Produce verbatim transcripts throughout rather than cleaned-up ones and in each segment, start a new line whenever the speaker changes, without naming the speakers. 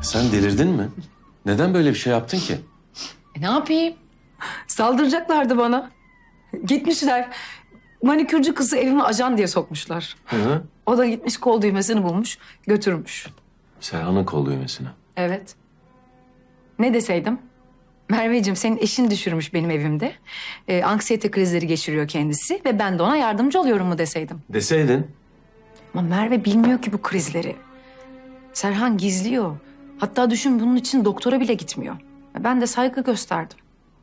Sen delirdin mi? Neden böyle bir şey yaptın ki?
E ne yapayım? Saldıracaklardı bana. Gitmişler. Manikürcü kızı evime ajan diye sokmuşlar.
Hı hı.
O da gitmiş kol düğmesini bulmuş, götürmüş.
Serhan'ın kol düğmesine.
Evet. Ne deseydim? Merveciğim senin eşin düşürmüş benim evimde. Ee, anksiyete krizleri geçiriyor kendisi ve ben de ona yardımcı oluyorum mu deseydim.
Deseydin.
Ama Merve bilmiyor ki bu krizleri. Serhan gizliyor. Hatta düşün bunun için doktora bile gitmiyor. Ben de saygı gösterdim.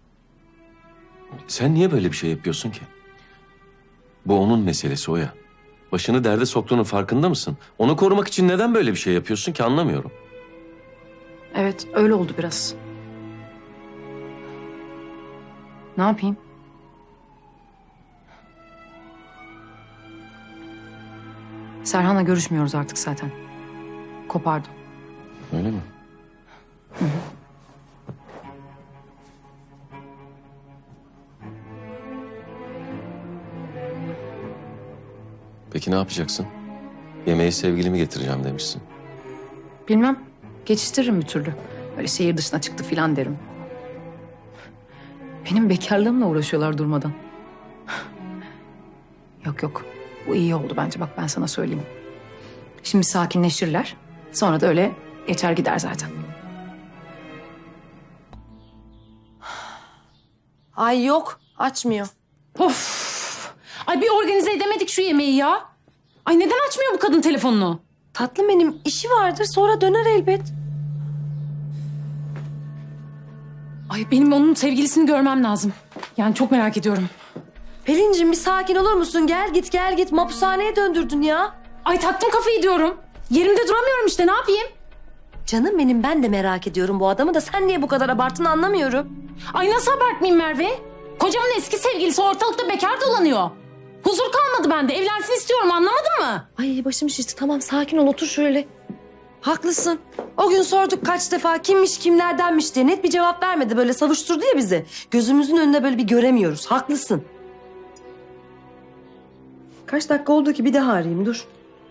Sen niye böyle bir şey yapıyorsun ki? Bu onun meselesi Oya. Başını derde soktuğunun farkında mısın? Onu korumak için neden böyle bir şey yapıyorsun ki anlamıyorum.
Evet öyle oldu biraz. Ne yapayım? Serhan'la görüşmüyoruz artık zaten. Kopardım.
Öyle mi? Peki ne yapacaksın? Yemeği sevgilimi getireceğim demişsin.
Bilmem. Geçiştiririm bir türlü. Böyle şehir dışına çıktı filan derim. Benim bekarlığımla uğraşıyorlar durmadan. Yok yok. Bu iyi oldu bence bak ben sana söyleyeyim. Şimdi sakinleşirler. Sonra da öyle geçer gider zaten.
Ay yok, açmıyor.
Of! Ay bir organize edemedik şu yemeği ya. Ay neden açmıyor bu kadın telefonunu?
Tatlım benim, işi vardır, sonra döner elbet.
Ay benim onun sevgilisini görmem lazım. Yani çok merak ediyorum.
Pelincim bir sakin olur musun? Gel git, gel git. Mapushaneye döndürdün ya.
Ay taktım kafayı diyorum. Yerimde duramıyorum işte ne yapayım?
Canım benim, ben de merak ediyorum bu adamı da. Sen niye bu kadar abarttın anlamıyorum.
Ay nasıl abartmayayım Merve? Kocamın eski sevgilisi ortalıkta bekar dolanıyor. Huzur kalmadı bende. Evlensin istiyorum anlamadın mı?
Ay başım şişti. Tamam sakin ol, otur şöyle. Haklısın. O gün sorduk kaç defa kimmiş kimlerdenmiş diye. Net bir cevap vermedi, böyle savuşturdu ya bizi. Gözümüzün önünde böyle bir göremiyoruz. Haklısın. Kaç dakika oldu ki, bir daha arayayım, dur.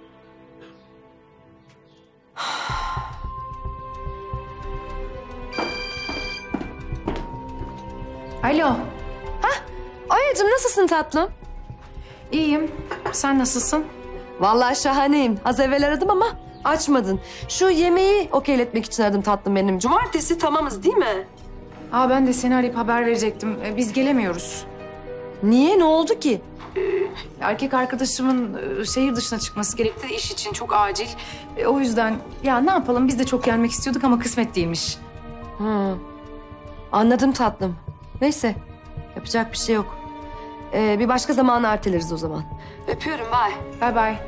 Alo.
Oya'cığım nasılsın tatlım?
İyiyim. Sen nasılsın?
Vallahi şahaneyim. Az evvel aradım ama açmadın. Şu yemeği okeyletmek için aradım tatlım benim. Cumartesi tamamız değil mi?
Aa ben de seni arayıp haber verecektim. Ee, Biz gelemiyoruz.
Niye? Ne oldu ki?
Erkek arkadaşımın e, şehir dışına çıkması gerekti iş için çok acil. E, O yüzden ya ne yapalım biz de çok gelmek istiyorduk ama kısmet değilmiş.
Hı. Anladım tatlım. Neyse. Yapacak bir şey yok. Ee, bir başka zaman erteleriz o zaman. Öpüyorum, bye.
Bay bay.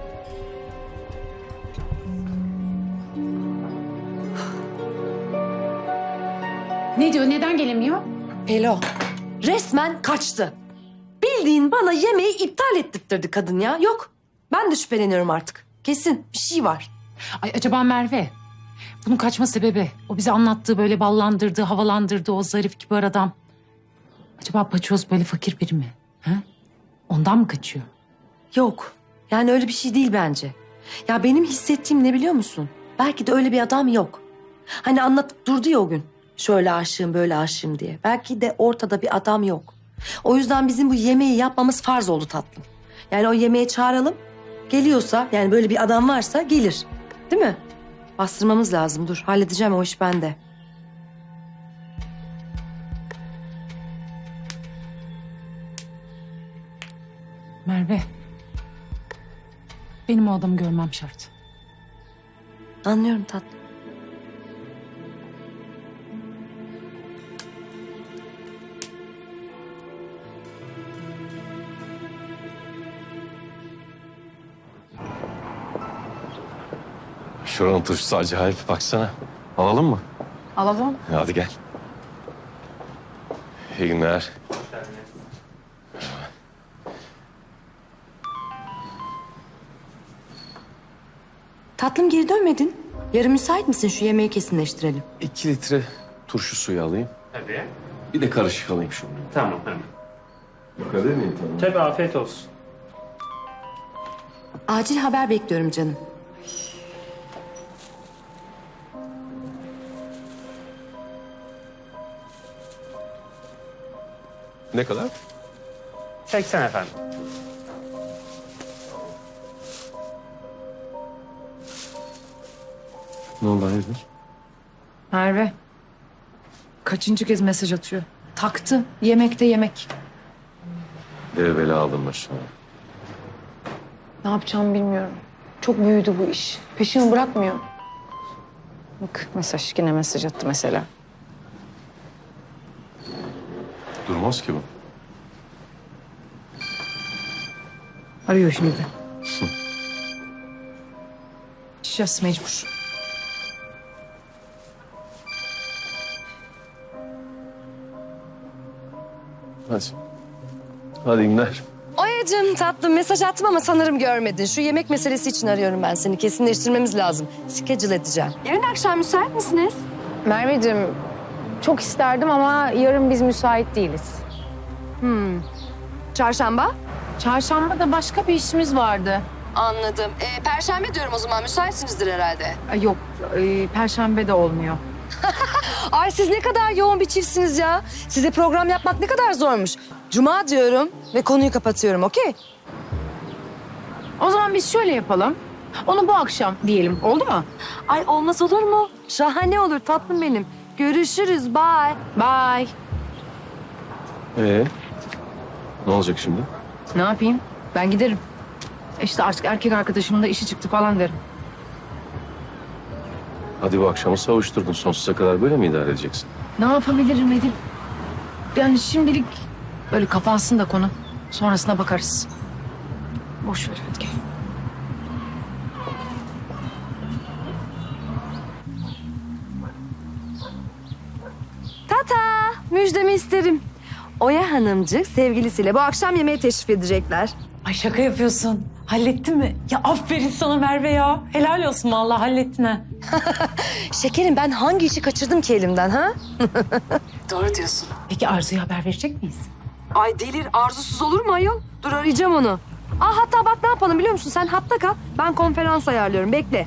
Ne diyor? Neden gelemiyor?
Pelo. Resmen kaçtı. Bildiğin bana yemeği iptal ettirtirdi kadın ya. Yok. Ben de şüpheleniyorum artık. Kesin bir şey var.
Ay acaba Merve? Bunun kaçma sebebi o bize anlattığı böyle ballandırdığı, havalandırdığı o zarif kibar adam. Acaba paçoz böyle fakir biri mi? Ha? Ondan mı kaçıyor?
Yok. Yani öyle bir şey değil bence. Ya benim hissettiğim ne biliyor musun? Belki de öyle bir adam yok. Hani anlatıp durdu ya o gün. Şöyle aşığım, böyle aşığım diye. Belki de ortada bir adam yok. O yüzden bizim bu yemeği yapmamız farz oldu tatlım. Yani o yemeğe çağıralım. Geliyorsa, yani böyle bir adam varsa gelir. Değil mi? Bastırmamız lazım. Dur, halledeceğim, o iş bende.
Merve. Benim o adamı görmem şart.
Anlıyorum tatlım.
Şuranın turşusu acayip. Baksana. Alalım mı?
Alalım.
Hadi gel. İyi günler.
Tatlım geri dönmedin. Yarın müsait misin? Şu yemeği kesinleştirelim.
İki litre turşu suyu alayım.
Tabii.
Bir de karışık alayım şunu.
Tamam hemen.
Bu kadar mıyım tamam?
Tabii afiyet olsun.
Acil haber bekliyorum canım.
Ne kadar?
seksen efendim.
Ne oldu hayırdır?
Merve. Kaçıncı kez mesaj atıyor? Taktı. Yemekte yemek.
Devveli aldım başına.
Ne yapacağımı bilmiyorum. Çok büyüdü bu iş. Peşimi bırakmıyor. Bak mesaj, yine mesaj attı mesela.
Durmaz ki bu.
Arıyor şimdi. Şişas mecbur.
Hadi. Hadi günler.
Oya'cığım tatlım mesaj attım ama sanırım görmedin. Şu yemek meselesi için arıyorum ben seni. Kesinleştirmemiz lazım. Schedule edeceğim. Yarın akşam müsait misiniz?
Merveciğim, çok isterdim ama yarın biz müsait değiliz.
Çarşamba?
Çarşamba da başka bir işimiz vardı.
Anladım. Ee, Perşembe diyorum o zaman. Müsaitsinizdir herhalde.
Ay yok, e, Perşembe de olmuyor.
Ay siz ne kadar yoğun bir çiftsiniz ya. Size program yapmak ne kadar zormuş. Cuma diyorum ve konuyu kapatıyorum, okey?
O zaman biz şöyle yapalım. Onu bu akşam diyelim, oldu mu?
Ay olmaz olur mu? Şahane olur tatlım benim. Görüşürüz, bye.
Bye.
Ee, ne olacak şimdi?
Ne yapayım? Ben giderim. İşte artık erkek arkadaşımın da işi çıktı falan derim.
Hadi bu akşamı savuşturdun. Sonsuza kadar böyle mi idare edeceksin?
Ne yapabilirim Edip? Yani şimdilik böyle kapansın da konu. Sonrasına bakarız. Boş ver hadi gel.
Tata, müjdemi isterim. Oya Hanımcık sevgilisiyle bu akşam yemeğe teşrif edecekler.
Ay şaka yapıyorsun. Hallettin mi? Ya aferin sana Merve ya. Helal olsun vallahi hallettin ha.
Şekerim ben hangi işi kaçırdım ki elimden ha?
Doğru diyorsun. Peki Arzu'ya haber verecek miyiz?
Ay delir, arzusuz olur mu ayol? Dur arayacağım onu. Aa hatta bak ne yapalım biliyor musun? Sen hatta kal, ben konferans ayarlıyorum. Bekle.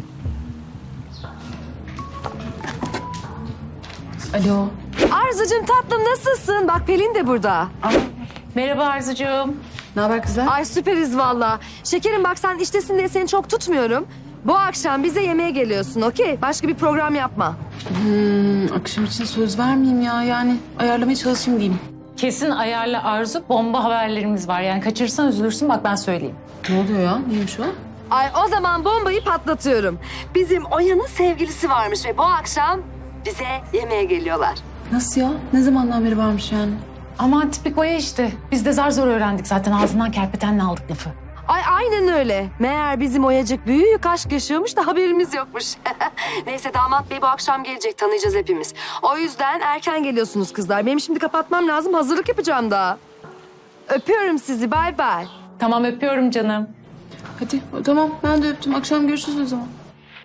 Alo.
Arzucuğum tatlım nasılsın? Bak Pelin de burada.
Merhaba Arzucuğum.
Ne haber kızlar?
Ay süperiz valla. Şekerim bak sen iştesin diye seni çok tutmuyorum. Bu akşam bize yemeğe geliyorsun, okey? Başka bir program yapma.
Hmm, akşam için söz vermeyeyim ya. Yani ayarlamaya çalışayım diyeyim.
Kesin ayarla Arzu. Bomba haberlerimiz var. Yani kaçırırsan üzülürsün. Bak ben söyleyeyim.
Ne oluyor ya? Neymiş o?
Ay o zaman bombayı patlatıyorum. Bizim Oya'nın sevgilisi varmış ve bu akşam bize yemeğe geliyorlar.
Nasıl ya? Ne zamandan beri varmış yani?
Aman tipik Oya işte. Biz de zar zor öğrendik zaten. Ağzından kerpetenle aldık lafı.
Ay aynen öyle. Meğer bizim Oyacık büyük aşk yaşıyormuş da haberimiz yokmuş. Neyse damat bey bu akşam gelecek, tanıyacağız hepimiz. O yüzden erken geliyorsunuz kızlar. Benim şimdi kapatmam lazım, hazırlık yapacağım daha. Öpüyorum sizi, bay bay.
Tamam öpüyorum canım.
Hadi tamam ben de öptüm. Akşam görüşürüz o zaman.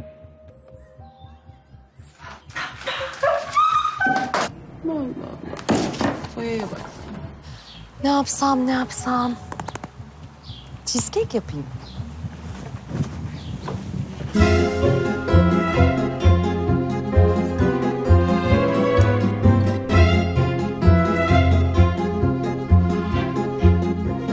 Allah Allah. Oya'ya bak.
Ne yapsam ne yapsam? Cheesecake yapayım.